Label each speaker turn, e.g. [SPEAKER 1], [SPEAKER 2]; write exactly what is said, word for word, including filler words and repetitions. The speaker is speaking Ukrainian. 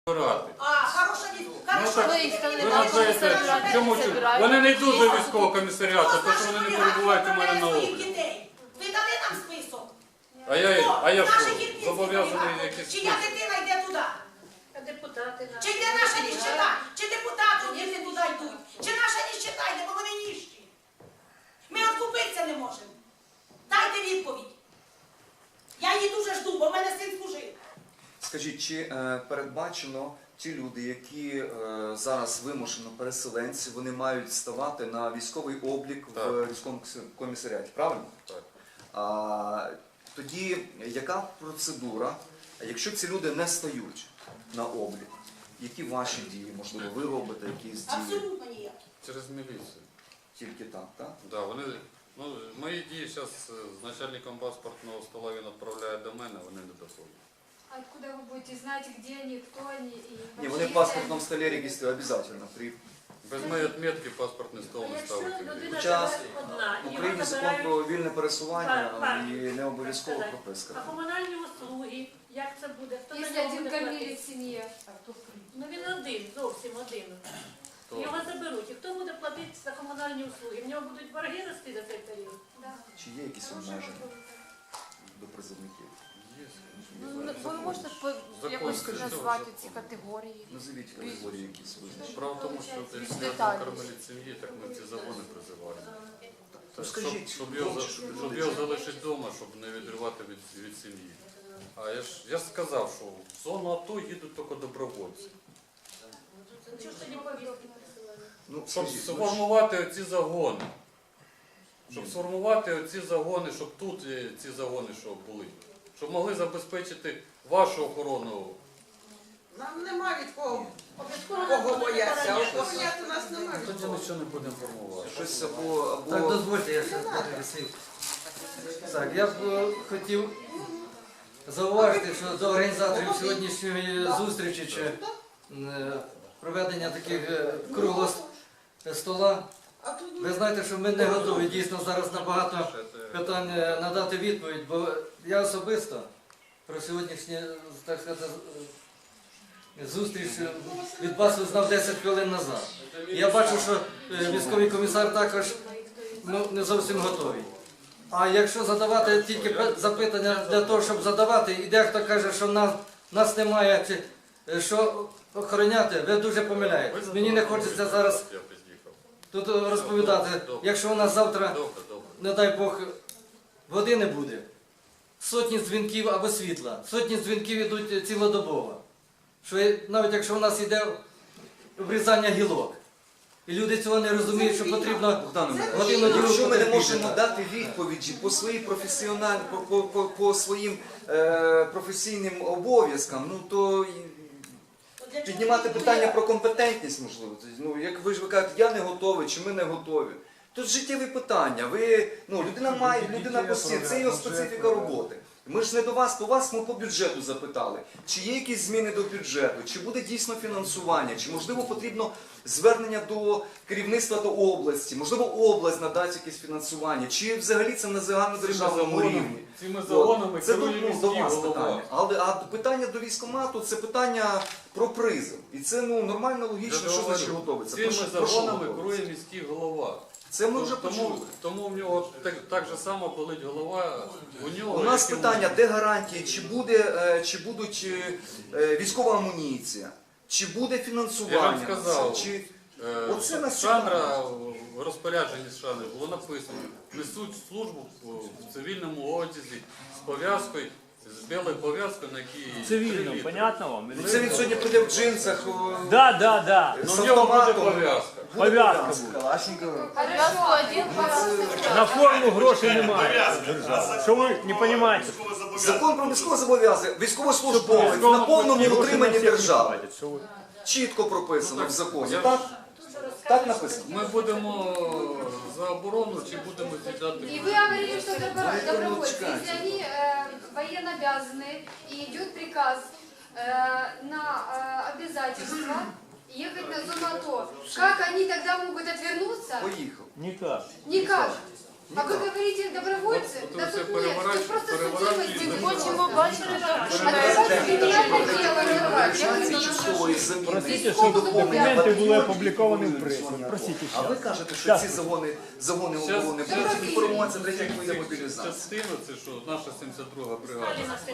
[SPEAKER 1] збирати.
[SPEAKER 2] А, хороша відповідь.
[SPEAKER 1] Ну, так, ви називаєте, чому чому? Вони не йдуть до військового комісаріату, тому що вони не перебувають у мене на обліку.
[SPEAKER 2] Ви дали нам список?
[SPEAKER 1] А я, а я що,
[SPEAKER 2] Наші дітки
[SPEAKER 1] зобов'язаний
[SPEAKER 2] зберігали.
[SPEAKER 1] якісь
[SPEAKER 2] Чия
[SPEAKER 1] списки?
[SPEAKER 2] дитина йде туди?
[SPEAKER 3] Депутати наші.
[SPEAKER 2] Чи йде наша ніщета? Чи депутати діти туди йдуть? Чи наша ніщета йде, бо вони ніщі? Ми откупитися не можемо. Дайте відповідь. Я її дуже жду, бо в мене син служив.
[SPEAKER 4] Скажіть, чи е, передбачено ті люди, які е, зараз вимушено переселенці, вони мають ставати на військовий облік в
[SPEAKER 1] Так.
[SPEAKER 4] військовому комісаріаті, правильно?
[SPEAKER 1] Так.
[SPEAKER 4] А, тоді яка процедура, якщо ці люди не стають на облік? Які ваші дії? Можливо, ви робите якісь дії?
[SPEAKER 2] Абсолютно ніяк.
[SPEAKER 1] Через міліцію.
[SPEAKER 4] Тільки так, так?
[SPEAKER 1] Да, вони, ну, мої дії зараз з начальником паспортного стола він відправляє до мене, вони не доходять.
[SPEAKER 5] А откуда вы будете знать, где они, кто они? И
[SPEAKER 4] Ні,
[SPEAKER 5] вообще,
[SPEAKER 4] вони в
[SPEAKER 5] если
[SPEAKER 4] паспортному столі реєструють обов'язково. При
[SPEAKER 1] Без моєї відмітки паспортний стол не
[SPEAKER 3] Якщо
[SPEAKER 1] ставить.
[SPEAKER 3] людина
[SPEAKER 4] Хоча
[SPEAKER 3] живе одна,
[SPEAKER 4] в
[SPEAKER 3] і
[SPEAKER 4] Україні
[SPEAKER 3] його
[SPEAKER 4] закон
[SPEAKER 3] забирають,
[SPEAKER 4] про вільне пересування
[SPEAKER 3] Так,
[SPEAKER 4] і не обов'язково
[SPEAKER 3] так.
[SPEAKER 4] прописка.
[SPEAKER 3] а комунальні услуги, як це буде? Хто за
[SPEAKER 5] если
[SPEAKER 3] нього
[SPEAKER 5] один
[SPEAKER 3] буде
[SPEAKER 5] кормилец
[SPEAKER 3] платити?
[SPEAKER 5] в семье.
[SPEAKER 3] Ну він один, зовсім один.
[SPEAKER 1] Хто?
[SPEAKER 3] Його заберуть. І хто буде платити за комунальні услуги? В нього будуть борги рости за цей період?
[SPEAKER 5] Да.
[SPEAKER 4] Чи є якісь обмеження до призовників?
[SPEAKER 1] Є.
[SPEAKER 6] Ну, ви можете по-
[SPEAKER 1] Закон,
[SPEAKER 6] якось
[SPEAKER 1] скажіть,
[SPEAKER 6] назвати
[SPEAKER 1] закон.
[SPEAKER 6] ці категорії?
[SPEAKER 4] Назовіть категорії якісь визначені.
[SPEAKER 1] Справа в тому, що якщо я
[SPEAKER 6] деталі.
[SPEAKER 1] кормилець сім'ї, так ми ці загони призиваємо.
[SPEAKER 4] То
[SPEAKER 1] Щоб,
[SPEAKER 4] скажіть,
[SPEAKER 1] щоб, його,
[SPEAKER 4] хлопці,
[SPEAKER 1] за-
[SPEAKER 4] щоб
[SPEAKER 1] щоб
[SPEAKER 4] люди-
[SPEAKER 1] його залишити вдома, щоб не відривати від, від сім'ї. А я ж, я ж сказав, що в зону АТО їдуть тільки добровольці.
[SPEAKER 3] Чого ж тоді повістки присилали?
[SPEAKER 4] Ну,
[SPEAKER 1] Щоб
[SPEAKER 4] скажіть, ну,
[SPEAKER 1] сформувати оці загони. Щоб сформувати оці загони, щоб тут е, ці загони що були. Щоб могли забезпечити вашу охорону.
[SPEAKER 7] Нам нема від кого,
[SPEAKER 3] Обов'язково
[SPEAKER 7] кого
[SPEAKER 3] буде
[SPEAKER 7] бояться.
[SPEAKER 3] охороняти.
[SPEAKER 7] Охороняти нас нема від
[SPEAKER 1] Тоді
[SPEAKER 7] кого.
[SPEAKER 1] нічого не будемо формувати.
[SPEAKER 4] щось або,
[SPEAKER 8] Так,
[SPEAKER 4] або
[SPEAKER 8] дозвольте, я ще декілька слів. Так, я б е, хотів зауважити, що до організаторів сьогоднішньої зустрічі чи е, проведення таких е, круглого с- стола,
[SPEAKER 7] А тут
[SPEAKER 8] ви знаєте, що ми не готові дійсно зараз на багато питань е, надати відповідь, бо я особисто про сьогоднішню, так сказати, е, зустріч е, від вас узнав десять хвилин назад. І я бачу, що е, військовий комісар також ну, не зовсім готовий. А якщо задавати тільки пе- запитання для того, щоб задавати, і дехто каже, що нас, нас немає, чи е, що охороняти, ви дуже помиляєтесь. Мені не хочеться зараз
[SPEAKER 1] Я під'їхав.
[SPEAKER 8] тут розповідати, якщо у нас завтра,
[SPEAKER 1] Добре, добре.
[SPEAKER 8] не дай Бог, води не буде, сотні дзвінків або світла, сотні дзвінків йдуть цілодобово. Що є- навіть якщо у нас йде обрізання гілок, і люди цього не розуміють, що потрібно
[SPEAKER 4] Богдане,
[SPEAKER 8] годину ділу
[SPEAKER 4] якщо ми не
[SPEAKER 8] потерпіти.
[SPEAKER 4] можемо дати відповіді по своїй професіональній, по, по, по, по своїм е, професійним обов'язкам, ну то і
[SPEAKER 2] От для чого
[SPEAKER 4] піднімати
[SPEAKER 2] ви
[SPEAKER 4] питання
[SPEAKER 2] будете?
[SPEAKER 4] про компетентність можливо. Тобто, ну, як ви ж ви кажете, я не готовий, чи ми не готові. Тут життєві питання. Ви, ну, людина має, людина постійно, це його специфіка роботи. Ми ж не до вас, по вас ми по бюджету запитали, чи є якісь зміни до бюджету, чи буде дійсно фінансування, чи можливо потрібно звернення до керівництва до області, можливо область надасть якесь фінансування, чи взагалі це на загальнодержавному рівні.
[SPEAKER 1] Цими
[SPEAKER 4] От.
[SPEAKER 1] загонами
[SPEAKER 4] Це
[SPEAKER 1] керує
[SPEAKER 4] тут ну,
[SPEAKER 1] міський
[SPEAKER 4] до вас
[SPEAKER 1] голова.
[SPEAKER 4] питання. Але а питання до військкомату це питання про призов. І це ну нормально, логічно,
[SPEAKER 1] Я
[SPEAKER 4] що
[SPEAKER 1] говорю,
[SPEAKER 4] значить готовиться.
[SPEAKER 1] Цими
[SPEAKER 4] Про що- про що
[SPEAKER 1] загонами
[SPEAKER 4] готовиться?
[SPEAKER 1] керує міський голова.
[SPEAKER 4] Це ми вже
[SPEAKER 1] тому,
[SPEAKER 4] почули.
[SPEAKER 1] тому в нього так, так же само болить голова. У нього
[SPEAKER 4] У нас
[SPEAKER 1] як і у
[SPEAKER 4] питання, де гарантії, чи буде, е, чи будуть е, е, військова амуніція, чи буде фінансування.
[SPEAKER 1] Я вам сказав,
[SPEAKER 4] Чи...
[SPEAKER 1] Е,
[SPEAKER 4] Оце нас
[SPEAKER 1] Шандра в розпорядженні з Шандри було написано, несуть службу в цивільному одязі з пов'язкою, з білою пов'язкою, на якій
[SPEAKER 9] Цивильном,
[SPEAKER 1] три
[SPEAKER 9] понятно вам? Или
[SPEAKER 4] Ну, це він сьогодні прийде в джинсах, о,
[SPEAKER 9] Да, да, да.
[SPEAKER 1] Ну,
[SPEAKER 4] з
[SPEAKER 1] в нього буде
[SPEAKER 4] автоматом.
[SPEAKER 1] пов'язка.
[SPEAKER 4] Буде
[SPEAKER 9] Пов'язка
[SPEAKER 4] пов'язка.
[SPEAKER 9] буде.
[SPEAKER 6] Пов'язку один, пов'язку.
[SPEAKER 9] На форму грошей немає. Що ви не розумієте?
[SPEAKER 4] Закон про військове зобов'язання, військовослужбовець на повному утриманні держави. Чітко прописано в законі. Так? Так написано.
[SPEAKER 1] Ми будемо за оборону чи будемо з'їдати?
[SPEAKER 5] И вы говорили, что добро- добровольцы, если они э, военно обязаны и идет приказ э, на э, обязательство ехать на зону АТО, как они тогда могут отвернуться?
[SPEAKER 4] Поїхав.
[SPEAKER 9] Никак.
[SPEAKER 5] Никак. А вы говорите добровольцы?
[SPEAKER 1] Вот- вот
[SPEAKER 5] Да
[SPEAKER 1] вы все
[SPEAKER 5] тут нет, тут
[SPEAKER 1] переворачиваете,
[SPEAKER 5] просто
[SPEAKER 1] переворачиваете.
[SPEAKER 5] судимость.
[SPEAKER 6] Ми хочемо бачити,
[SPEAKER 5] А
[SPEAKER 6] що
[SPEAKER 5] давайте кримінальне дело відкривати. Як
[SPEAKER 4] Реалізації
[SPEAKER 5] ви
[SPEAKER 4] часткової заміни
[SPEAKER 9] Просите,
[SPEAKER 5] Військового
[SPEAKER 9] щоб
[SPEAKER 5] документа.
[SPEAKER 9] документи були
[SPEAKER 4] батальйонів,
[SPEAKER 9] опубліковані
[SPEAKER 4] які
[SPEAKER 9] в пресі.
[SPEAKER 4] воюють в
[SPEAKER 9] Просите
[SPEAKER 4] А ви
[SPEAKER 9] зараз.
[SPEAKER 4] кажете, що
[SPEAKER 9] Щас.
[SPEAKER 4] ці загони, загони
[SPEAKER 1] Щас-
[SPEAKER 4] оборони
[SPEAKER 1] щас-
[SPEAKER 4] будуть інформуватися третя хвиля мобілізації.
[SPEAKER 1] Частина це що наша сімдесят друга бригада.
[SPEAKER 3] Сталіна